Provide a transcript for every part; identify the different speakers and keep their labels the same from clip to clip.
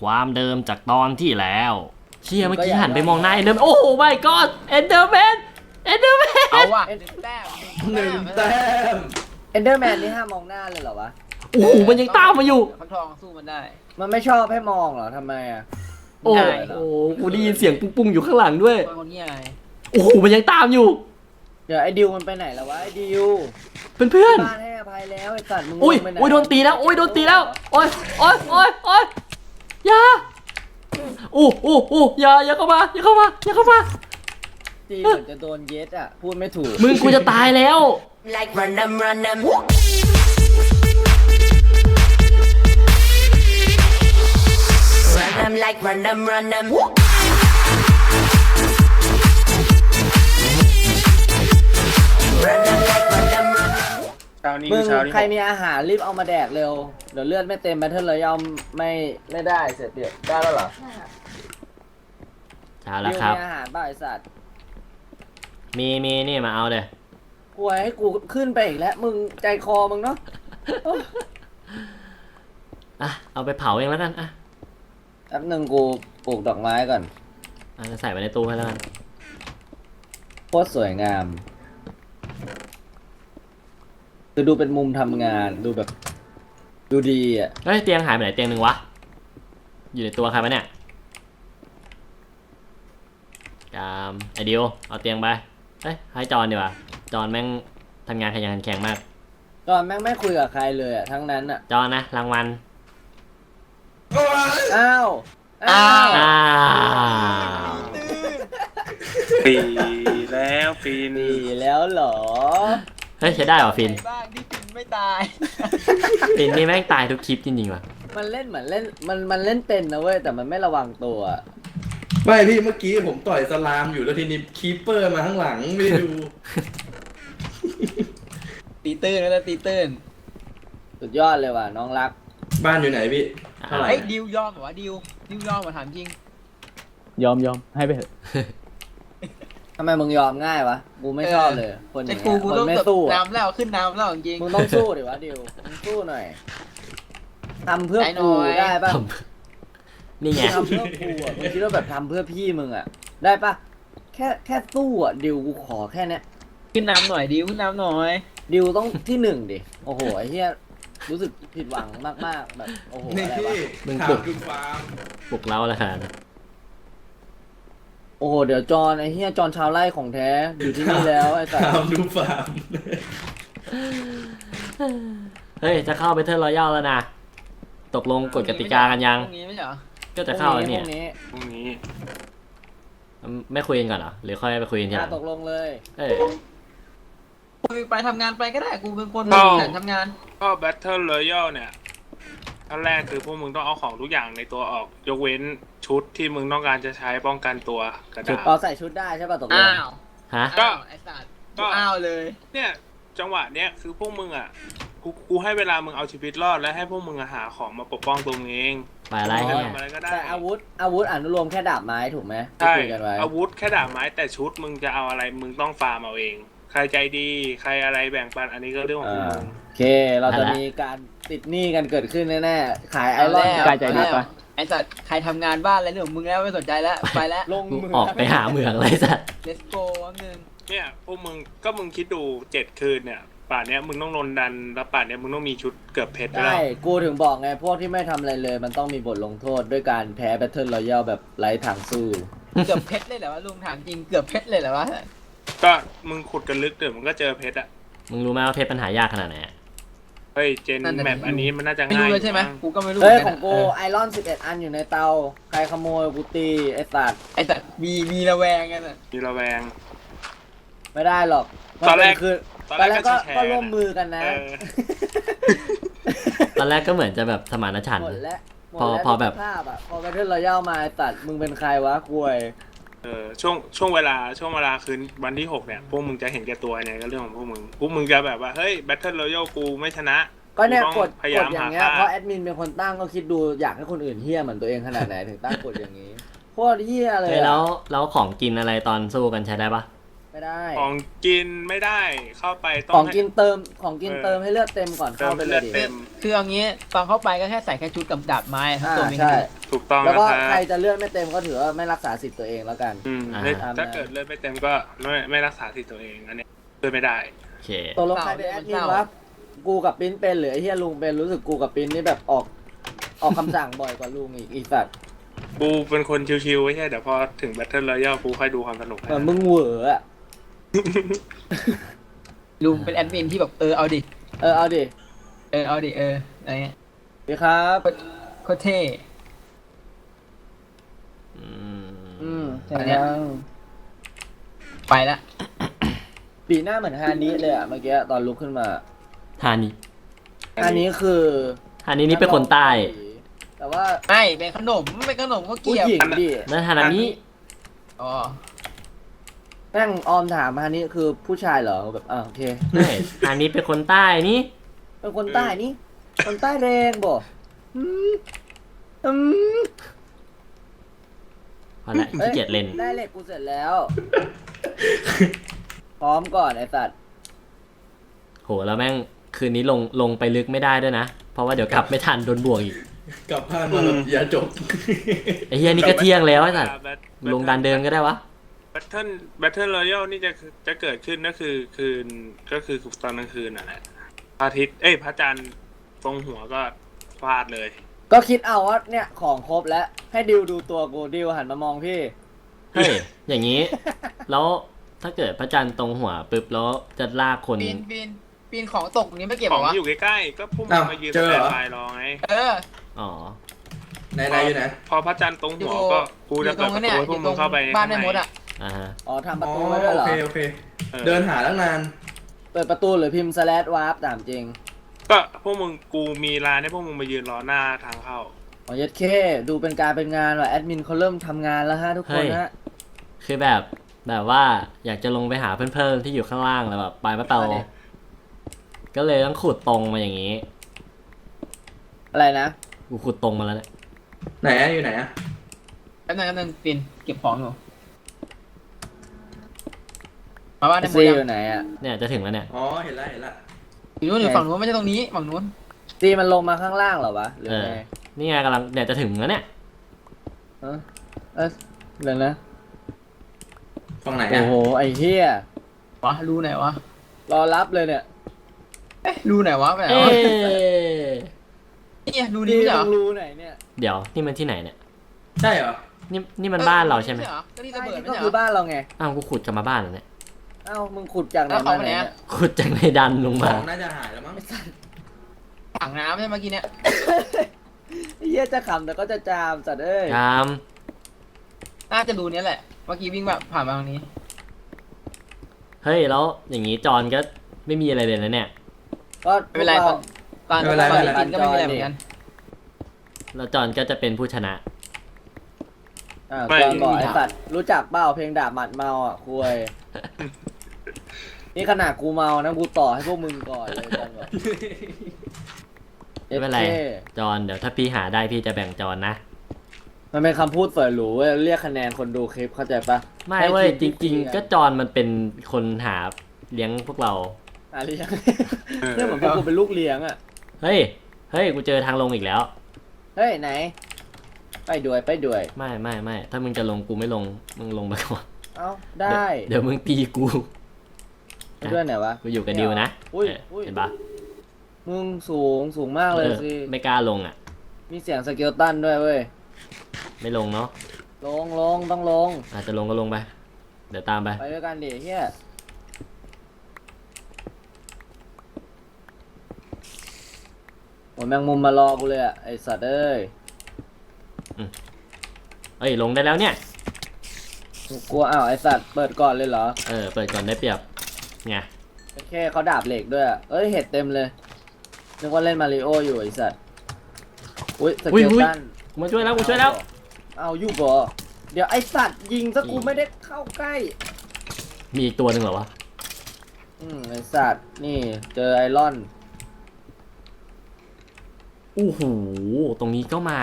Speaker 1: ความเดิมจากตอนที่แล้วเชี่ยเมื่อกี้หันไปมองหน้าเอ็นเดอร์โอ้โหไม่ก็เอ็นเดอร์แมน
Speaker 2: เอาว่ะ1 แต้ม
Speaker 3: เอนเดอร์แมนนี่ห้ามมองหน้าเลยเหรอวะ
Speaker 1: โอ้โหมันยังตามมาอยู่
Speaker 2: ฟักทองสู้มันได้
Speaker 3: มันไม่ชอบให้มองเหรอทำไมอ่ะ
Speaker 1: โอ้
Speaker 2: ได้
Speaker 1: โหกูได้ยินเสียงปุ้งๆอยู่ข้างหลังด้วย
Speaker 2: คนนี้ไง
Speaker 1: โอ้โหมันยังตามอยู่
Speaker 3: เดี๋ยวไอ้ดิวมันไปไหนแล้ววะไอ้ดิว
Speaker 1: เพื่อน
Speaker 3: บ้านให้อภัยแล้วไอ้สัตว์มึง
Speaker 1: ๆอุ้ย
Speaker 3: ไปไหน
Speaker 1: อุ้ยโดนตีแล้วอุ้ยโดนตีแล้วโอ้ยอย่าโอ้อย่าเข้ามา
Speaker 3: ตีเหมือนจะโดนเย็ดอ่ะพูดไม่ถูก
Speaker 1: มึงกูจะตายแล้ว
Speaker 4: Like run them, run them. Run them like run them, run them. Run them like run them, run them.
Speaker 2: เช้านี้
Speaker 3: มึง
Speaker 2: เช้านี้
Speaker 3: ใครมีอาหารรีบเอามาแดกเร็วเดี๋ยวเลือดไม่เต็มแบทเทิลเลยยอมไม่ได้เสร็จเดี๋ยวได้แล้วเหรอ
Speaker 1: เอาละครับ
Speaker 3: ดิวมีอาหารบ้าไอ้สัตว์
Speaker 1: มีนี่มาเอาเลย
Speaker 3: กลัวให้กูขึ้นไปอีกแล้วมึงใจคอมึงเนาะ
Speaker 1: อ่ะเอาไปเผาเองแล้วกันอ่ะ
Speaker 3: แป๊บหนึงกูปลูกดอกไม้ก่อน
Speaker 1: จะใส่ไว้ในตู้ให้แล้วกัน
Speaker 3: โคตรสวยงามคือดูเป็นมุมทำงานดูแบบดูดีอ่ะ
Speaker 1: เฮ้ยเตียงหายไปไหนเตียงหนึ่งวะอยู่ในตัวใครปะเนี่ยไอเดียวเอาเตียงไปเฮ้ยให้จอนดีกว่าจอนแม่งทำงานขยันขันแข็งมาก
Speaker 3: ตอนแม่งไม่คุยกับใครเลยอ่ะทั้งนั้นอ่ะ
Speaker 1: จอนนะรางวัล
Speaker 3: อ้าว
Speaker 1: อ้าว
Speaker 5: ปีแล้วฟิน
Speaker 3: ดีแล้วเหรอ
Speaker 1: เฮ้ยใช้ได้เหรอฟิน
Speaker 2: บ้างที่ฟินไม่ตาย
Speaker 1: ฟินนี่แม่งตายทุกคลิปจริงๆว่ะ
Speaker 3: มันเล่นเหมือนเล่นมันเล่นเป็นนะเว้ยแต่มันไม่ระวังตัวอะ
Speaker 5: ไม่พี่เมื่อกี้ผมต่อยสลามอยู่แล้วทีนี้คีปเปอร์มาข้างหลังไม่ได้ดู
Speaker 2: ตีตื้นแล้วตีตื้น
Speaker 3: สุดยอดเลยว่ะน้องรัก
Speaker 5: บ้านอยู่ไหนพี่เท่าไหร่
Speaker 2: เฮ้ยดิวยอมเหรอวะดิวยอมเหรอถามจริง
Speaker 6: ยอมให้ไปเถอะ
Speaker 3: ทำไมมึงยอมง่ายวะกูไม่ชอบเลยคนอ
Speaker 2: แต่
Speaker 3: ย่าง
Speaker 2: กู
Speaker 3: เงี้ย
Speaker 2: กู
Speaker 3: คน
Speaker 2: ต้อง
Speaker 3: ไม่
Speaker 2: แบบ
Speaker 3: สู้อะ
Speaker 2: น้ำแล้วขึ้นน้ำแล้วจริง
Speaker 3: มึงต้องสู้ดิวะดิวมึงสู้หน่อยทำเพื่อ
Speaker 2: ใจหน่
Speaker 3: กู
Speaker 2: อย
Speaker 3: ได้ปะ
Speaker 1: นี่ไง
Speaker 3: ทำเพื่อกูอ่ะมึงคิดว่าแบบทำเพื่อพี่มึงอ่ะได้ปะแค่สู้อ่ะดิวกูขอแค่เนี้ย
Speaker 2: ขึ้นน้ำหน่อยดิวขึ้นน้ำหน่อย
Speaker 3: ดิวต้องที่หนึ่งดิโอ้โหไอ้เหี้ยรู้สึกผิดหวังมากๆแบบโอ้โห
Speaker 5: นี่
Speaker 3: อะไร
Speaker 5: พี่
Speaker 3: วะ
Speaker 1: มึง
Speaker 5: ถา
Speaker 1: ปลุ
Speaker 5: ม
Speaker 1: ก
Speaker 5: ดูฟาร์ม
Speaker 1: ปลุกเล้าแล้วขนาดนั้น
Speaker 3: โอ้โหเดี๋ยวจอนไอ้เหี้ยจอนชาวไร่ของแท้อยู่ที่นี่แล้วไอ้สัส
Speaker 5: ถามดูฟาร์ม
Speaker 1: เฮ้ยจะเข้าไปเทิร์นรอยัลแล้วนะตกลงกฎกติกากันยัง
Speaker 2: พรุ่งนี้ไม่ใช่เหรอ
Speaker 1: ก็จะเข้าแล้วเนี่ย
Speaker 3: พรุ่งนี้
Speaker 5: พรุ่งนี้
Speaker 1: ไม่คุยกันก่อนเหรอหรือค่อยไปคุยกันทีหลัง
Speaker 3: ตกลงเลย
Speaker 1: เออ
Speaker 2: คุยไปทำงานไปก็ได้กูเป็นคน
Speaker 5: ก็
Speaker 2: แข่งทำงาน
Speaker 5: ก็ Battle Royale เนี่ยขั้นแรกคือพวกมึงต้องเอาของทุกอย่างในตัวออกยกเว้นชุดที่มึงต้องการจะใช้ป้องกันตัวกระดาษ
Speaker 3: เราใส่ชุดได้ใช่ป่ะตกลง
Speaker 2: อ้าว
Speaker 1: ฮะ
Speaker 5: ก็
Speaker 2: ไอ้สัตว์
Speaker 5: ก็
Speaker 2: อ้าวเลย
Speaker 5: เนี่ยจังหวะเนี้ยคือพวกมึงอ่ะกูให้เวลามึงเอาชีวิตรอดและให้พวกมึงอะหาของมาปกป้องตัวมึงเอง
Speaker 1: ไปอะไร
Speaker 5: จะ
Speaker 1: เนี่ย
Speaker 5: ทำอะไรก็ได้
Speaker 3: แต่อาวุธอนุโลมแค่ดาบไม้ถูกไหมที่
Speaker 5: ใช่
Speaker 3: คุยกันไว้
Speaker 5: อาวุธแค่ดาบไม้แต่ชุดมึงจะเอาอะไรมึงต้องฟาร์มเอาเอง ใครใจดีใครอะไรแบ่งปันอันนี้ก็เรื่องของ
Speaker 3: อ่า
Speaker 5: มึง
Speaker 3: โอเค เราจะมีการติดหนี้กันเกิดขึ้นแน่ๆขายไอรอน
Speaker 6: ใกล้ใจดีปะ
Speaker 2: ไอ้สัตว์ใครทำงานบ้านอะไรเรื่องของมึงแล้วไม่สนใจแล้วไปแล้ว
Speaker 3: ลง
Speaker 1: กู
Speaker 3: มือ
Speaker 1: ออกไปหาเหมืองเลยสัตว์
Speaker 2: let's go วันหนึ่ง
Speaker 5: เนี่ยพวกมึงคิดดู7 คืนเนี่ยป่านเนี้ยมึงต้องโดนดันแล้วป่านเนี้ยมึงต้องมีชุดเกือบเพชรด้วย
Speaker 3: ใช่
Speaker 5: แล้ว
Speaker 3: กูถึงบอกไง พวกที่ไม่ทำอะไรเลย มันต้องมีบทลงโทษด้วยการแพ้แบทเทิลรอยัลแบบไร้ทางสู้
Speaker 2: เกือบเพชรเลยเหรอวะลุงถามจริงเกือบเพชรเลยเหรอวะ
Speaker 5: ก็มึงขุดกันลึกเดี๋ยวมึงก็เจอเพชรอะ
Speaker 1: มึงรู้ไหมว่าเพชรปัญหายากขนาดไหนอะ
Speaker 5: เฮ้ยเจนแมปอันนี้มันน่าจะ
Speaker 2: ไม่
Speaker 5: ง่าย
Speaker 2: รู้เลยใช่ไหม
Speaker 5: มั้ง
Speaker 2: กูก็ไม่รู้
Speaker 3: เฮ้ย
Speaker 2: ห
Speaker 3: ข
Speaker 2: มื
Speaker 3: อน ง
Speaker 2: น
Speaker 3: กู
Speaker 2: กัน
Speaker 3: ไอรอน11 อันอยู่ในเตา ใครขโมยกูตีไอสัตว์
Speaker 2: ไอ้สัตว์มีระแวงกันอ่ะ
Speaker 5: มีระแวง
Speaker 3: ไม่ได้หรอก
Speaker 5: ตอนแรก
Speaker 3: คือ
Speaker 5: ตอน
Speaker 3: ตอน
Speaker 5: แร
Speaker 3: แร
Speaker 5: ก
Speaker 3: ก
Speaker 5: ก็
Speaker 3: ก็
Speaker 5: แชร์
Speaker 3: ก็ร่วมมือกันนะ
Speaker 5: เออ
Speaker 1: ตอนแรกก็เหมือนจะแบบสมานฉันท์
Speaker 3: หมดแล้วหมด
Speaker 1: พอ
Speaker 3: แล้ว
Speaker 1: พอแบบ
Speaker 3: ภาพอ่ะพอแบทเทิลรอยัลมาไอ้สัตว์มึงเป็นใครวะกวย
Speaker 5: ช่วงเวลาคืนวันที่ 6เนี่ยพวกมึงจะเห็นแก่ตัวเนี่ยก็เรื่องของพวกมึงจะแบบว่าเฮ้ย Battle Royale กูไม่ชนะ
Speaker 3: ก็เนี่ย
Speaker 5: กู
Speaker 3: ก
Speaker 5: ต้อ
Speaker 3: ด
Speaker 5: งพยายาม
Speaker 3: อย่า
Speaker 5: หาง
Speaker 3: เงี้ย
Speaker 5: ค่า
Speaker 3: เพราะแอดมินเป็นคนตั้งก็คิดดูอยากให้คนอื่นเฮี้ยเหมือนตัวเองขนาดไหนถึงตั้งกฎอย่างนี้โคตรเฮี้ยเลย
Speaker 1: เฮ้ย
Speaker 3: อะ
Speaker 1: แล้วของกินอะไรตอนสู้กันใช้ได้ปะ
Speaker 3: ไม่ได้
Speaker 5: ของกินไม่ได้เข้าไปต้อ
Speaker 3: ของ
Speaker 5: งให้
Speaker 3: กินเติมให้เลือดเต็มก่อน
Speaker 5: เติ
Speaker 3: เข้าม ไปเล
Speaker 5: เลือย ด
Speaker 3: ดิ
Speaker 5: เต็ม
Speaker 2: คือเอางี้ตอนเข้าไปก็แค่ใส่แค่ชุดกับดาบไม้ทั้ง
Speaker 3: อ่า
Speaker 2: ตัวมี
Speaker 3: ใช่
Speaker 5: ถูกต้อง
Speaker 3: แล้ว
Speaker 5: นะ
Speaker 3: ก็
Speaker 5: ค
Speaker 3: ใคร
Speaker 5: รับ
Speaker 3: จะเลือดไม่เต็มก็ถือว่าไม่รักษาสิทธิ์ตัวเองแล้วกัน
Speaker 5: ถ้าเกิดเลือดไม่เต็มก็ไม่รักษาสิทธิ์ตัวเองอันนี้ช่วยไม่ได้
Speaker 1: โอเค
Speaker 3: ตกลงใครเป็นแอดมินวะกูกับปิ้นเป็นหรือไอ้เฮียลุงเป็นรู้สึกกูกับปิ้นนี่แบบออกคำสั่งบ่อยกว่าลุงอีกสัตว์
Speaker 5: กูเป็นคนชิวๆไม่ใช่เดี๋ยวพอถึง Battle Royale กูค่อยดูความสนุก
Speaker 3: เหมือนมึงเหวออะ
Speaker 2: ลุงเป็นแอดมินที่แบบเอาดิ
Speaker 3: เอาดิ
Speaker 2: เอาดิอะไรเงี้ย
Speaker 3: ดีครับ
Speaker 2: โคตรเท่
Speaker 3: เห็นยัง
Speaker 2: ไปละ
Speaker 3: ปีหน้าเหมือนฮานิเลยอะเมื่อกี้ตอนลุกขึ้นมา
Speaker 1: ฮานิ
Speaker 3: ฮานิคือ
Speaker 1: ฮานินี่เป็นคนใต้
Speaker 3: แต่ว่า
Speaker 2: ไม่เป็นขนมก็
Speaker 3: ผู้
Speaker 2: เกี่ยว
Speaker 3: หญิงดิ
Speaker 1: นั่นฮานามิ
Speaker 2: อ๋อ
Speaker 3: แม่งออมถามฮานิคือผู้ชายเหรอแบบโอเค
Speaker 1: ไม่ฮานิเป็นคนใต้นี่
Speaker 3: เป็นคนใต้นี่คนใต้แรงบ่อืม
Speaker 1: พอละขี้เกียจเล่น
Speaker 3: ได้เหล็กกูเสร็จแล้ว พร้อมก่อนไอ้สัตว์
Speaker 1: โหแล้วแม่งคืนนี้ลงไปลึกไม่ได้ด้วยนะ เพราะว่าเดี๋ยวกลับไม่ทันโดนบวกอีก
Speaker 7: กลับบ้านมาแบบอย่าจบ
Speaker 1: ไอ้เฮียนี่ก็เที่ยงแล้วไอ้สัตว์ลงดันเดิมก็ได้วะ
Speaker 5: Battle Royale นี่จะเกิดขึ้นก็คือตอนกลางคืนน่ะแหละพระอาทิตย์พระจันทร์ตรงหัวก็ฟาดเลย
Speaker 3: ก็คิดเอาว่าเนี่ยของครบแล้วให้ดิวดูตัวกูดิวหันมามองพี่
Speaker 1: เฮ้ย อย่างนี้ แล้วถ้าเกิดพระจันทร์ตรงหัวปุ๊บแล้วจะลากคน
Speaker 2: ปีนของตกนี้ไม่เก็บ
Speaker 5: ข
Speaker 2: หร
Speaker 5: อง
Speaker 2: อวะ
Speaker 5: ที่อยู่ใกล้ๆก็พุ่งมายืน
Speaker 7: เจอ
Speaker 5: แต
Speaker 7: เหรอ
Speaker 5: บายรอไง
Speaker 1: อ๋อ
Speaker 7: ไหนอยู่ไหน
Speaker 5: พอพระจันทร์ตรงหัวก็กูจะเปิดประตูให้พวกมึงเข้าไป
Speaker 2: บ้านแม่มดอ่ะ
Speaker 1: อ่าฮะ
Speaker 3: อ๋อทำประ
Speaker 7: อ๋อ
Speaker 3: ตูไว้ด้วยเหรอ
Speaker 7: โอเคเดินหาตั้งนาน
Speaker 3: เปิดประตูหรือพิมพ์ /warp ตามจริง
Speaker 5: ก็พวกมึงกูมีร้านให้พวกมึงมายืนรอหน้าทางเข้า
Speaker 3: อ๋อยัดเคดูเป็นการเป็นงานว่ะแอดมินเขาเริ่มทำงานแล้วฮะทุกคนฮะ
Speaker 1: คือแบบว่าอยากจะลงไปหาเพื่อนๆที่อยู่ข้างล่างแล้วแบบไปไม่เปา
Speaker 3: อะไร
Speaker 1: ก็เลยต้องขุดตรงมาอย่างนี้
Speaker 3: อะไรนะ
Speaker 1: กูขุดตรงมาแล้วเนี่ย
Speaker 7: ไหนอะอยู่ไหนอะ
Speaker 2: แป๊บนึงปีนเก็บของอยู่มาบ้านแม่ม
Speaker 3: ซี
Speaker 2: ด
Speaker 3: อยู่ไหนอ่ะ
Speaker 1: เนี่ยจะถึงแล้วเนี่ย
Speaker 7: อ๋อเห็นละ
Speaker 2: อยู่นู้นอยู่ฝั่งนู้นไม่ใช่ตรงนี้ฝั่งนู้น
Speaker 3: ซีมันลงมาข้างล่างเหรอวะหรือไง
Speaker 1: นี่ไงกำลังเนี่ยจะถึงแล้วเนี่ย
Speaker 3: เดี๋ยวนะ
Speaker 7: ฝั่งไหน
Speaker 3: โอ้
Speaker 7: อะ
Speaker 3: โหไอ้เหี้ยว
Speaker 2: ะรูไหนวะ
Speaker 3: รอรับเลยเนี่ย
Speaker 2: รูไหนวะไปไหน
Speaker 1: เอ๊
Speaker 2: วะ
Speaker 1: ะ
Speaker 2: เนี่ยรู
Speaker 3: ดี
Speaker 2: นี้เหร
Speaker 3: มึ
Speaker 2: อง
Speaker 3: รู้ไหนเนี่ย
Speaker 1: เดี๋ยวนี่มันที่ไหนเนี่ย
Speaker 7: ใช่เหรอ
Speaker 1: นี่มันบ้านเราใช่ไหม
Speaker 2: ก็ที่ระเบิด
Speaker 3: นี่
Speaker 2: ไม่
Speaker 3: ก็
Speaker 2: ใช่
Speaker 3: คือ
Speaker 2: เหรอ
Speaker 3: บ้านเราไง
Speaker 1: อ้าวกูขุดกลับมาบ้านแล้วเนี่ย
Speaker 3: เอ้ามึงขุดจากไหน
Speaker 2: แล้ว
Speaker 3: มา
Speaker 2: เขาไป
Speaker 3: ไหน
Speaker 2: ไหน
Speaker 3: เนี่
Speaker 2: อะ
Speaker 3: ย
Speaker 1: ขุดจากในดันลง
Speaker 7: ข
Speaker 1: มา
Speaker 7: องน่าจะหายแล้วมั้ง
Speaker 2: ถังน้ำใช่เมื่อกี้เนี่ย
Speaker 3: ไอ้เหี้ยจะขำแต่ก็จะจามสัตว์เอ้ย
Speaker 1: จาม
Speaker 2: น่าจะรูนี้แหละเมื่อกี้วิ่งแบบผ่านมาตรงนี้
Speaker 1: เฮ้ยแล้วอย่างนี้จอนก็ไม่มีอะไรเลยนะเนี่ย
Speaker 3: ก็
Speaker 2: ไม่เป็นไร
Speaker 3: พวก
Speaker 2: ตอนกินก็ไม่มีอะไรเหมือนกัน
Speaker 1: แล้วจอนก็จะเป็นผู้ชนะ
Speaker 3: ก่อนบอกไอ้สัตว์รู้จักเปล่าเพลงดาบหมัดเมาอ่ะคุย นี่ขนาดกูเมานะกูต่อให้พวกมึงก่อนเลยจังบอก
Speaker 1: ไม่เป็นไร
Speaker 3: SK
Speaker 1: จอนเดี๋ยวถ้าพี่หาได้พี่จะแบ่งจอนนะ
Speaker 3: มันเป็นคำพูดเปิดหรูเว้ยเรียกคะแนนคนดูคลิปเข้าใจปะ
Speaker 1: ไม่
Speaker 3: ให้
Speaker 1: เว้ย
Speaker 3: ที
Speaker 1: จ
Speaker 3: ม
Speaker 1: ริง ๆ ก็จอนมันเป็นคนหาเลี้ยงพวกเรา
Speaker 3: หาเลี้ยงเนี่ยเหมือนพวกกูเป็นลูกเลี้ยงอ่ะ
Speaker 1: เฮ้ยกูเจอทางลงอีกแล้ว
Speaker 3: เฮ้ยไหน ไปด้วย
Speaker 1: ไม่ถ้ามึงจะลงกูไม่ลงมึงลงไปก่อน
Speaker 3: เอ้าได้
Speaker 1: เดี๋ยวมึงตีกู
Speaker 3: ไปด้วยไหนวะ
Speaker 1: กูอยู่กับดิวนะ
Speaker 3: อุ้ย
Speaker 1: เห็นปะ
Speaker 3: มึงสูงมากเลยสิ
Speaker 1: ไม่กล้าลงอ่ะ
Speaker 3: มีเสียงสเกลตันด้วยเว้ย
Speaker 1: ไม่ลงเนาะ
Speaker 3: ลงต้องลง
Speaker 1: อาจจะลงก็ลงไป เดี๋ยวตามไป
Speaker 3: ไปด้วยกันดิเฮียโอ้ยแมงมุมมารอกูเลยอ่ะไอสัตว์เอ้ย
Speaker 1: เอ้ยลงได้แล้วเนี่ย
Speaker 3: กูกลัวอ้าวไอสัตว์เปิดก่อนเลยเหรอ
Speaker 1: เปิดก่อนได้เปรียบไง
Speaker 3: โอเคเขาดาบเหล็กด้วยอะเอ้ยเห็ดเต็มเลยนึกว่าเล่นมาริโออยู่ไอสัตว์อุ้ยสเกลตัน
Speaker 1: กูมาช่วยแล้ว
Speaker 3: เอาอยู่บ่เดี๋ยวไอสัตว์ยิงซะกูไม่ได้เข้าใกล้
Speaker 1: มีอีกตัวหนึ่งเหรอวะ
Speaker 3: ไอสัตว์นี่เจอไอรอน
Speaker 1: อู้หูตรงนี้ก็มา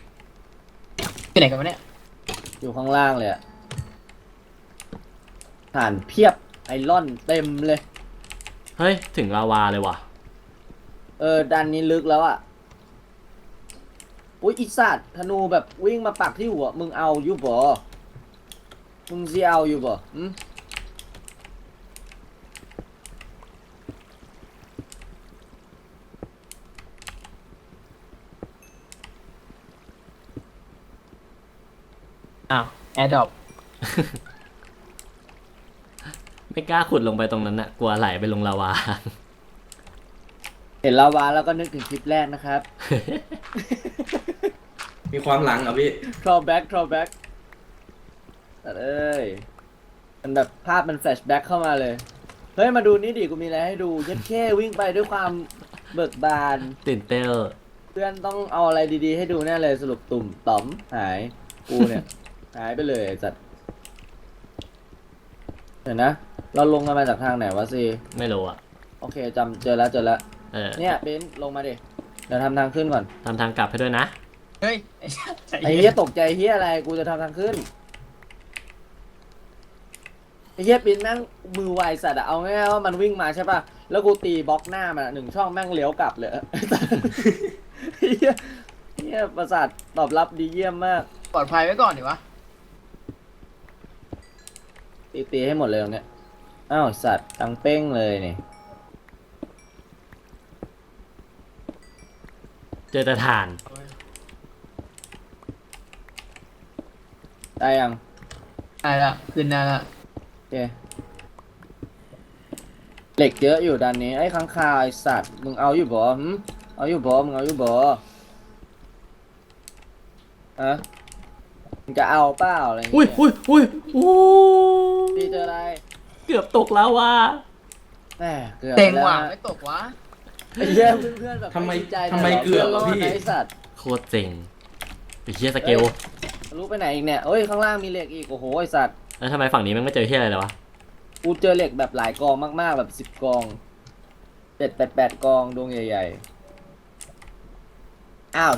Speaker 2: ที่ไหนกันวะเนี่ย
Speaker 3: อยู่ข้างล่างเลยอะถ่านเพียบไอรอนเต็มเลย
Speaker 1: เฮ้ยถึงลาวาเลยว่ะ
Speaker 3: ดันนี้ลึกแล้วอ่ะอุ้ยอีสัตว์ธนูแบบวิ่งมาปักที่หัวมึงเอาอยู่บ่มึงสิเอาอยู่บ่หืม
Speaker 2: อ้าวแอร์ดรอป
Speaker 1: ไม่กล้าขุดลงไปตรงนั้นน่ะกลัวไหลไปลงลาวา
Speaker 3: เห็นลาวาแล้วก็นึกถึงคลิปแรกนะครับ
Speaker 7: มีความหลังเหรอพี่
Speaker 3: drawback แต่เอ้ยมันแบบภาพมันแฟลชแบ็กเข้ามาเลย เฮ้ย มาดูนี่ดิกูมีอะไรให้ดูเย็ดแค่วิ่งไปด้วยความเบิกบาน
Speaker 1: ตื่นเต้น
Speaker 3: เพื่อนต้องเอาอะไรดีๆให้ดูแน่เลยสรุปตุ่มต่อมหายกูเนี่ย หายไปเลยไอ้สัตว์เห็นนะ เราลงกันมาจากทางไหนวะซี
Speaker 1: ไม่รู้อ่ะ
Speaker 3: โอเคจำเจอแล้ว
Speaker 1: เออ
Speaker 3: เนี่ยเบนซ์ลงมาดิเดี๋ยวทำทางขึ้นก่อน
Speaker 1: ทำทางกลับให้ด้วยนะ
Speaker 2: เฮ้ย
Speaker 3: ไอ้เหี้ยตกใจเหี้ยอะไรกูจะทำทางขึ้นไอ้เหี้ยปิ้นแม่งมือไวสัตว์อะเอาง่ายๆว่ามันวิ่งมาใช่ป่ะแล้วกูตีบล็อกหน้ามันอะ1 ช่องแม่งเลี้ยวกลับเลย ไอ้เหี้ยประสาทตอบรับดีเยี่ยมมาก
Speaker 2: ปลอดภัยไว้ก่อนดิวะ
Speaker 3: ตีให้หมดเลยตรงเนี้ยอ้าวสัตว์ตังเป้งเลยนี่
Speaker 1: เจอแต่ฐาน
Speaker 3: ได้ยัง
Speaker 2: ได้ละขึ้นได้ละ
Speaker 3: โอเคเหล็กเยอะอยู่ด้านนี้ไอ้ค้างคาวไอ้สัตว์มึงเอาอยู่บ่หืมเอาอยู่บ่มึงเอาอยู่บ่ฮะมึงจะเอาเปล่าอะไรอย่าง
Speaker 1: อุ้ย
Speaker 3: เงี้ย
Speaker 1: อุ้ยโอ้
Speaker 3: พี่เจออะไร
Speaker 1: เกือบตกแล้วว่ะ
Speaker 3: แหมเกือบ
Speaker 2: เต็ง
Speaker 3: แล้ว
Speaker 2: ว่ะ
Speaker 3: นะ
Speaker 2: ไม่ตกวะ
Speaker 3: ไอ้เหี้ยเพื่อนๆแบบ
Speaker 7: ทำไม
Speaker 3: ดีใจ
Speaker 7: ทำไม
Speaker 3: นี่ย
Speaker 7: เกือบ
Speaker 3: พื่นรด
Speaker 7: พี่
Speaker 3: นะไอ้สัตว์
Speaker 1: โคตรเจ๋งไอ้เหี้ยสเกล
Speaker 3: รู้ไปไหนอีกเนี่ยเอ้ยข้างล่างมีเหล็กอีกโอ้โหไอ้สัตว์
Speaker 1: แล้วทำไมฝั่งนี้มันไม่เจอเหี้ยอะไรเลยวะ
Speaker 3: กูเจอเหล็กแบบหลายกองมากๆแบบ10 กอง8 กองดวงใหญ่ๆอ้าว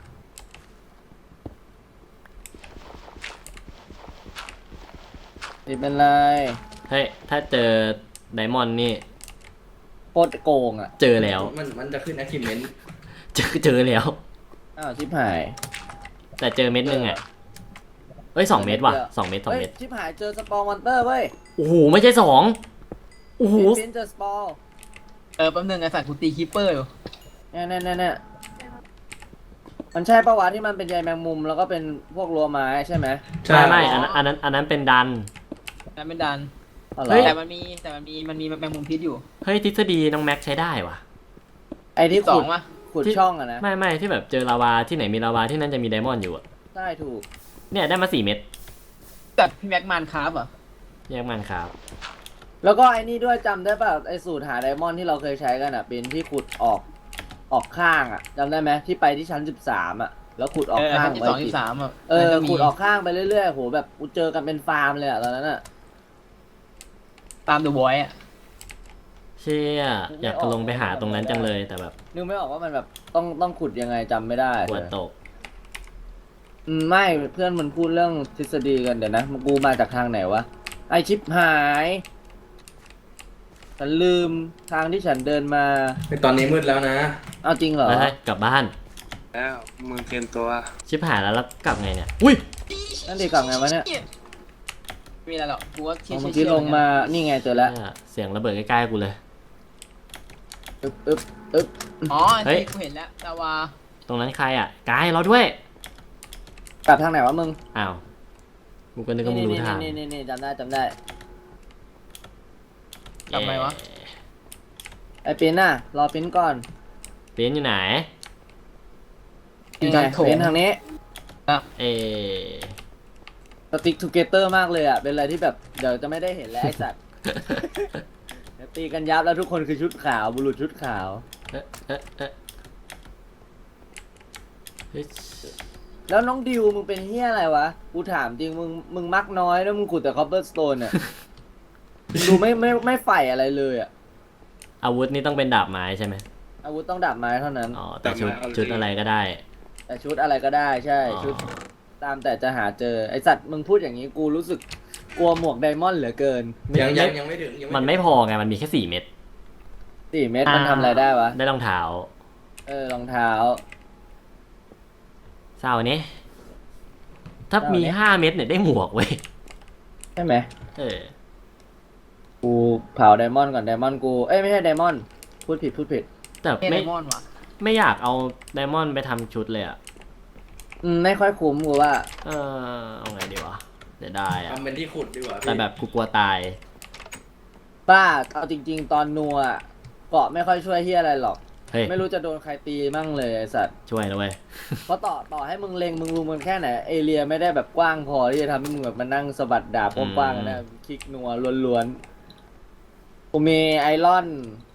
Speaker 3: นี่เป็นไร
Speaker 1: เฮ้ยถ้าเจอไดมอนด์นี่
Speaker 3: โคตรโกงอ่ะ
Speaker 1: เจอแล้ว
Speaker 7: มันจะขึ้น achievement
Speaker 1: เจอแล้ว
Speaker 3: อ้าวชิบหาย
Speaker 1: แต่เจอเม็ดนึงอ่ะเอ้ย2 เม็ดว่ะ2 เม็ด2
Speaker 3: เฮ้ย
Speaker 1: เม็ด
Speaker 3: ชิบหายเจอสปอร์มอนเตอร์เว้ย
Speaker 1: โอ้โหไม่ใช่2โอ้โห
Speaker 3: ฟินเจอสปอร์
Speaker 2: แป๊บนึงไอ้สัตว์กูตีคีปเปอร์อยู่
Speaker 3: เนี่ยมันใช่ปะวะที่มันเป็นใยแมงมุมแล้วก็เป็นพวกรั้วไม้ใช่ไหม
Speaker 1: ไม่อันนั้นเป็นดัน
Speaker 2: นั่นไม่ดัน
Speaker 3: อ๋อเหร
Speaker 1: เฮ้ย
Speaker 3: อ
Speaker 2: แต่มันมีแมงมุมพิษอยู่
Speaker 1: เฮ้ยทฤษฎีน้องแม็กใช้ได้ว่ะ
Speaker 3: ไอ้ที่
Speaker 2: สอ
Speaker 3: ขุ
Speaker 2: ง
Speaker 3: ด
Speaker 2: วะ
Speaker 3: ขุดช่องอะนะ
Speaker 1: ไม่ที่แบบเจอลาวาที่ไหนมีลาวาที่นั่นจะมีไดมอนด์อยู่อะ
Speaker 3: ใช่ถูก
Speaker 1: เนี่ยได้มา4 เม็ด
Speaker 2: แต่พี่แม็กมันคราฟเหรอ
Speaker 1: แยกมันครับ
Speaker 3: แล้วก็ไอ้นี่ด้วยจำได้ป่ะไอ้สูตรหาไดมอนด์ที่เราเคยใช้กันอ่ะเป็นที่ขุดออกข้างอ่ะจำได้ไหมที่ไปที่ชั้น13อ่ะแล้วขุดออกข้าง
Speaker 2: ที่
Speaker 3: ไว้
Speaker 2: 2 13อ่ะ
Speaker 3: ขุดออกข้างไปเรื่อยๆโหแบบกูเจอกันเป็นฟาร์มเลยอ่ะตอนนั้นอ่ะ
Speaker 2: ตามเดอะบอยอ่ะ
Speaker 1: เชี่ยอยากจะลงไปหาตรงนั้นจังเลยแต่แบบ
Speaker 3: นึกไม่ออกว่ามันแบบต้องขุดยังไงจำไม่ได้
Speaker 1: ปวดตก
Speaker 3: ไม่เพื่อนมันพูดเรื่องทฤษฎีกันเดี๋ยวนะกูมาจากทางไหนวะไอชิปหายฉันลืมทางที่ฉันเดินมา
Speaker 7: ตอนนี้มืดแล้วนะ
Speaker 3: เอาจริงเหรอ
Speaker 1: เฮ้ยกลับบ้าน
Speaker 5: แล้วมึงเตรียมตัว
Speaker 1: ชิบหายแล้วกลับไงเนี่ยอุ้ย
Speaker 3: นั่นดีกลับไงวะเนี่ย
Speaker 2: ไม่มีอะไรหรอกกูว่าเชี่ย
Speaker 3: เมื่อกี้ลงมานี่ไงเจอแล้ว
Speaker 1: เนี่ยเสียงระเบิดใกล้ๆกูเลย
Speaker 3: อึ๊บ
Speaker 2: อ๋อ
Speaker 1: เฮ้ย
Speaker 2: ที่กูเห็นแล้วลาวา
Speaker 1: ตรงนั้นใครอ่ะกายเราด้วย
Speaker 3: กลับทางไหนวะมึง
Speaker 1: อ้าวกูก็นึกว่ามึงรู้ทาง
Speaker 3: นี่จำได้
Speaker 2: ทำไมวะ
Speaker 3: ไอปิ้นน่ะรอปิ้นก่อน
Speaker 1: เป็นอยู่ไหน
Speaker 3: นี่ไงปิ้นทางนี้
Speaker 1: เอ
Speaker 3: สติ๊กทูเกเตอร์มากเลยอ่ะเป็นอะไรที่แบบเดี๋ยวจะไม่ได้เห็นแล้วไอสัตว์ เดี๋ยวตีกันยับแล้วทุกคนคือชุดขาวบุรุษชุดขาว
Speaker 1: เฮ้ย
Speaker 3: แล้วน้องดิวมึงเป็นเฮียอะไรวะ กูถามจริงมึงมักน้อยแล้วมึงขุดแต่คอปเปอร์สโตนอ่ะ มึงดูไม่ใฝ่อะไรเลยอ่ะ
Speaker 1: อาวุธนี่ต้องเป็นดาบไม้ใช่ไหม
Speaker 3: อาวุธต้องดาบไม้เท่านั้น
Speaker 1: อ๋อแต่ชุดอะไรก็ได้
Speaker 3: แต่ชุดอะไรก็ได้ใช่
Speaker 1: อ๋อ
Speaker 3: ชุดตามแต่จะหาเจอไอสัตว์มึงพูดอย่างนี้กูรู้สึกกลัวหมวกไดมอนด์เหลือเกิน
Speaker 7: ยังไม่ถึงยัง
Speaker 1: มันไม่พอไงมันมีแค่4 เม็ด
Speaker 3: 4 เม็ดมันทำอะไรได้วะ
Speaker 1: ได้รองเท้าร
Speaker 3: องเท้า
Speaker 1: เศร้าเนี้ยถ้ามี
Speaker 3: เศร้าเนี่ย
Speaker 1: 5 เม็ดเนี่ยได้หมวกเว้ย
Speaker 3: ใช่ไหม
Speaker 1: เออ
Speaker 3: กูเผาไดมอนด์ก่อนไดมอนด์กูเอ้ยไม่ใช่ไดมอนด์พูดผิด
Speaker 1: แต่
Speaker 2: เอ
Speaker 1: ไม่
Speaker 2: ไดมอนด์ว่ะ
Speaker 1: ไม่อยากเอาไดมอนด์ไปทำชุดเลยอะ
Speaker 3: ไม่ค่อยคุ้มกูว่า
Speaker 1: เอาไงดีวะเดี๋ยวได้อะ
Speaker 7: ทำเป็นที่ขุดดีกว่า
Speaker 1: แต่แบบกูกลัวตาย
Speaker 3: ป้าเอาจริง ๆ ตอนนัวอะเกาะไม่ค่อยช่วยเฮียอะไรหรอก
Speaker 1: เฮ้ย
Speaker 3: ไม่รู้จะโดนใครตีมั่งเลยไอสัตว์
Speaker 1: ช่วยนะเว้ย
Speaker 3: เพราะต่อให้มึงเล็งมึงรู้มันแค่ไหนเอเรียไม่ได้แบบกว้างพอที่จะทำให้มึงแบบมานั่งสะบัดดาบกว้างๆนะคลิกนัวล้วนๆกูมีไอรอน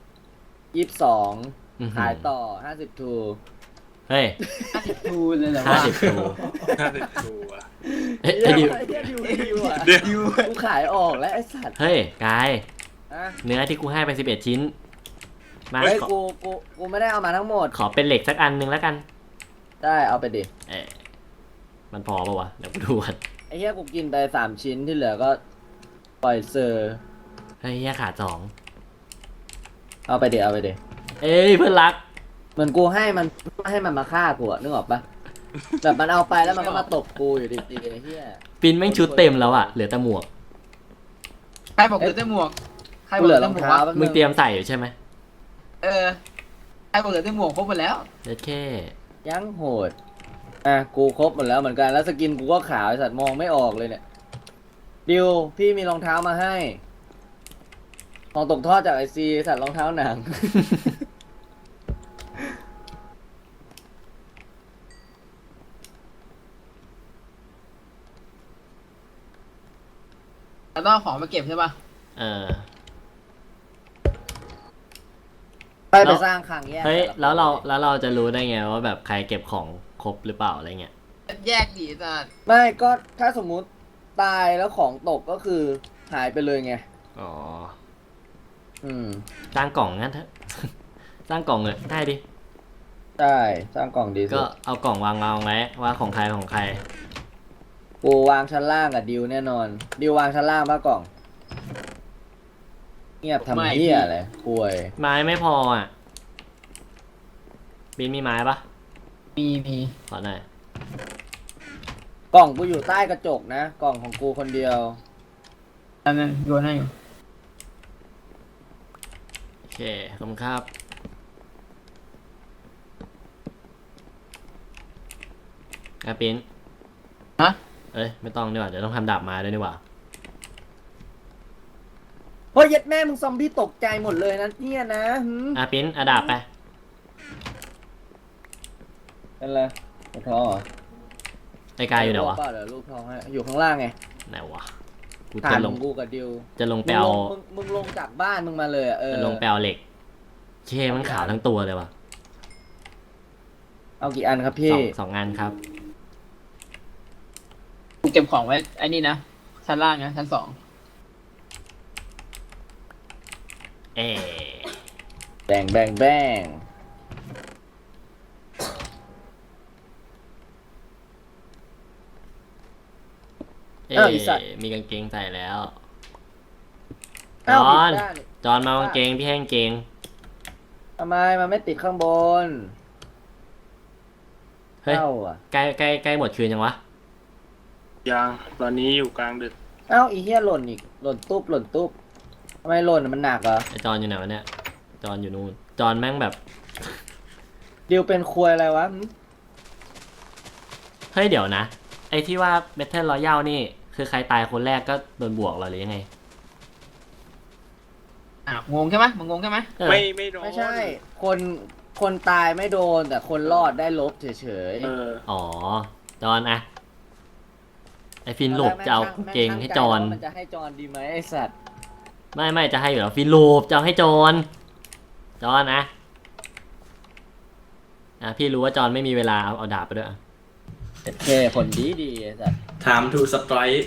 Speaker 3: 22ขายต่อ50ทู
Speaker 1: เฮ้ย
Speaker 2: ดูเลยเหรอ
Speaker 1: 50 ทู
Speaker 5: น่าจะดูอ่ะ
Speaker 1: เฮ้ยไอ้ดิว
Speaker 3: ดิวอ่ะ
Speaker 5: เดี๋ยว
Speaker 3: กูขายออกแล้วไอสัตว์
Speaker 1: เฮ้ยกาย
Speaker 3: อะ
Speaker 1: เนื้อที่กูให้ไป11 ชิ้น มา
Speaker 3: เฮ้ย
Speaker 1: ขอ
Speaker 3: กูไม่ได้เอามาทั้งหมด
Speaker 1: ขอเป็นเหล็กสักอันหนึงแล้วกัน
Speaker 3: ได้เอาไปดิ
Speaker 1: เอ๊ะมันพอปะวะ เดี๋ยวกูดูกัน
Speaker 3: ไอ้เหี้ยกูกินไป3 ชิ้นที่เหลือก็ปล่อยเซอร์
Speaker 1: เฮ้ยเหี้ยขาด
Speaker 3: เอาไปดิเอาไปดิ
Speaker 1: 2เอ้ยเพื่อนรัก
Speaker 3: เหมือนกูให้มันมาฆ่ากูอะนึกออกปะแบบมันเอาไปแล้วมันก็มาตบกูอยู่ดีๆไอ้เหี้ย
Speaker 1: ปินแม่งชุดเต็มแล้วอะเหลือแต่หมวก
Speaker 2: ใครบอกเหลือแต่หมวกใครบ
Speaker 3: กู
Speaker 2: อก
Speaker 3: เห
Speaker 2: เห
Speaker 3: ลื
Speaker 2: ลื
Speaker 3: อ
Speaker 2: อ
Speaker 3: ร
Speaker 2: แต่
Speaker 3: อง
Speaker 2: หมวก
Speaker 3: เท้าว
Speaker 2: ะ
Speaker 3: แป๊บนึ
Speaker 1: มึงเตรียมใส่อยู่ใช่ไหม
Speaker 2: เออใครบอกเหลือแต่หมวกครบหมดแล้ว
Speaker 1: เด็ดแค่
Speaker 3: ยังโหดอ่ะกูครบหมดแล้วเหมือนกันแล้วสกินกูก็ขาวไอ้สัตว์มองไม่ออกเลยเนี่ยดิวพี่มีรองเท้ามาให้ของตกทอดจากไอซีสัตว์รองเท้าหนัง
Speaker 2: เราต้องเอาของมาเก็บใช่ป่ะ
Speaker 1: เออ
Speaker 3: ไปสร้างคลังแยก
Speaker 1: เฮ้ย
Speaker 3: ต่ะ
Speaker 1: แล้วเราจะรู้ได้ไงว่าแบบใครเก็บของครบหรือเปล่าอะไรเงี้ย
Speaker 2: แยกดีจ้ะ
Speaker 3: ไม่ก็ถ้าสมมุติตายแล้วของตกก็คือหายไปเลยไง
Speaker 1: อ๋อ
Speaker 3: อืม
Speaker 1: สร้างกล่องงั้นเถอะ สร้างกล่องเลยได้ดิ
Speaker 3: ใช่สร้างกล่องดีสุ
Speaker 1: ก็
Speaker 3: ด
Speaker 1: เอากล่องวางไว้ว่าของใครของใคร
Speaker 3: กูวางชั้นล่างกับดิวแน่นอนดิววางชั้นล่างปะกล่อง เงียบทำเหี้ยอะไรป่วย
Speaker 1: ไม้ไม่พออ่ะบินมีไม้ปะ
Speaker 2: มี
Speaker 1: ขอหน่อย
Speaker 3: กล่องกูอยู่ใต้กระจกนะ กล่องของกูคนเดียว
Speaker 2: อันนั้นโยนให้อยู่
Speaker 1: โอเคขอบคุณครับปิน
Speaker 2: ฮะ
Speaker 1: เอ้ยไม่ต้องดีกว่าเดี๋ยวต้องทำดาบไม้ด้วยดีกว่า
Speaker 3: เฮ้ยเย็ดแม่มึงซอมบี้ตกใจหมดเลยนะเนี่ยนะหืม
Speaker 1: ปินเอาดาบไป
Speaker 3: เป็นไรปวดท้องเหรอ
Speaker 1: ไอ้กายอยู่ไหนวะ
Speaker 3: เปล่าเดี๋ยวรูปท้องให้อยู่ข้างล่างไง
Speaker 1: ไหนวะกู
Speaker 3: ฐา
Speaker 1: จะ
Speaker 3: น
Speaker 1: ล
Speaker 3: ของ งกูกับดิว
Speaker 1: จะลงไปเอา
Speaker 3: มึงลงจากบ้านมึงมาเลยอะเออ
Speaker 1: จะลงไปเอาเหล็กเชมันขาวทั้งตัวเลยวะ
Speaker 3: เอากี่อันครับพี่
Speaker 1: สองงานครับ
Speaker 2: กูเก็บของไว้ไอ้นี่นะชั้นล่างนะชั้น 2
Speaker 1: เอ๊ะ
Speaker 3: แบงแบงแบง
Speaker 1: เอ๊
Speaker 3: อ้าวอีสัตว์
Speaker 1: มีกางเกงใส่แล้ว
Speaker 3: อ้าว
Speaker 1: จอน
Speaker 3: ผิดด้านนี่
Speaker 1: จอนมากางเกงพี่ให้กางเกง
Speaker 3: ทำไมมันไม่ติดข้างบน
Speaker 1: เฮ้ย
Speaker 3: เอ้าอ่ะ
Speaker 1: ใกล้หมดคืนยังวะ
Speaker 5: ยังตอนนี้อยู่กลางดึก
Speaker 3: เอ้าอีเหี้ยหล่นอีกหล่นตุ๊บทำไมหล่นอะมันหนักเหรอ
Speaker 1: ไอจอนอยู่ไหนวะเนี่ยจอนอยู่นู่นจอนแม่งแบบ
Speaker 3: ดิวเป็นควยอะไรวะหึ
Speaker 1: เฮ้ยเดี๋ยวนะ ไอที่ว่า Battle Royale นี่ คือใครตายคนแรกก็โดนบวกเหรอหรือยังไง
Speaker 2: งงใช่ไหมมึงงงใช่ไหม
Speaker 1: เออ
Speaker 5: ไม่โดน
Speaker 3: ไม่ใช่ คนตายไม่โดนแต่คนรอดได้ลบเฉย
Speaker 5: เออ
Speaker 1: อ๋อ จอนอะไอฟินหลบจะเอาเกงให้จอน
Speaker 3: มันจะให้จอนดีไหมไอสัตว์
Speaker 1: ไม่จะให้อยู่แล้วฟินหลบจะเอาให้จอนจอนนะพี่รู้ว่าจอนไม่มีเวลาเอาดาบไปด้วยอะ
Speaker 3: โอเคคนดีไอสัตว์
Speaker 7: time to strike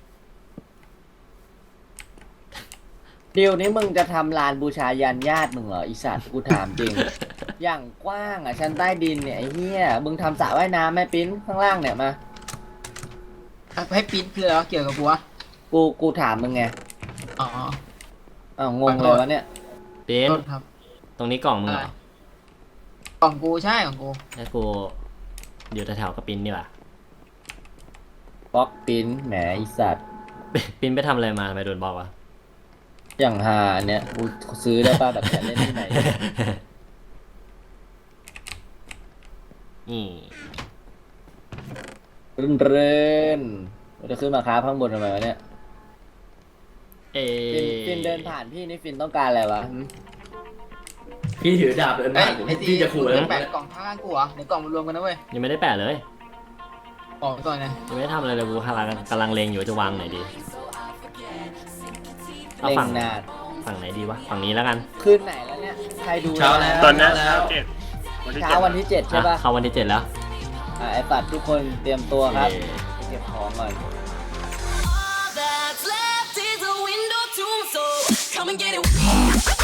Speaker 3: ดิวนี้มึงจะทำลานบูชายันญาติมึงเหรออีสัตว์กูถามจริง อย่างกว้างอ่ะชั้นใต้ดินเนี่ยไอ้เหี้ยมึงทำสระว่ายน้ำไหมปิ้นข้างล่างเนี่ยมา
Speaker 2: ให้ปิ้นคืออะไรวะเกี่ยวกับกูวะ
Speaker 3: กูถามมึงไง
Speaker 2: อ๋อ
Speaker 3: อ้าวงงเลยวะเนี่ย
Speaker 1: ปิ้น
Speaker 2: โทษครับ
Speaker 1: ตรงนี้กล่องมึงเหรอ
Speaker 2: ของกูใช่ของกู
Speaker 1: แล้วกูอยู่แถวๆกับปิ้นดีกว่า
Speaker 3: บล็อกปิ้นแหมไอสัตว์
Speaker 1: ปิ้นไปทำอะไรมาทำไมโดนบล็อกวะ
Speaker 3: อย่างฮาอันเนี้ยกูซื้อได้ป่ะแบบจะเล่นที่ไหน
Speaker 1: นี่
Speaker 3: เรื่นๆจะขึ้นมาค้าข้างบนทำไมวะเนี่ย
Speaker 1: เอ
Speaker 3: ฟินเดินผ่านพี่นี่ฟินต้องการอะไรวะ
Speaker 7: พี่ถือดาบเดิน
Speaker 2: เอ้
Speaker 7: ผ่าย นผม
Speaker 2: ไอ้ตี
Speaker 7: พี่จะขู่แล้ว
Speaker 2: แปะกล่องข้างๆกูเหรอเดี๋ยวกล่องมันรวมกันนะเว้ย
Speaker 1: ยังไม่ได้แปะเลย
Speaker 2: กล่องก่อนนะ
Speaker 1: ยังไม่ได้ทำอะไรเลยกูกำลังเลงอยู่ว่าจะวางไหนดีเอา
Speaker 3: เล่ง
Speaker 1: ฝั่ง
Speaker 3: นาด
Speaker 1: ฝั่งไหนดีวะฝั่งนี้แล้วกัน
Speaker 3: คืนไหนแล้วเนี่ยใครดู
Speaker 7: เช้าแล้ว
Speaker 5: ตอนนี้
Speaker 7: เช้า
Speaker 5: เช้า
Speaker 7: แล้ว
Speaker 5: 7
Speaker 3: เช้าวันที่ 7 ใช่ป่ะ
Speaker 1: เข้าวันที่ 7 แล้ว
Speaker 3: ไอ้ปัดทุกคนเตรียมตัวครับ
Speaker 1: เย้
Speaker 3: เก็บของก่อน
Speaker 4: All that's left is a window to my soul. Come and get it.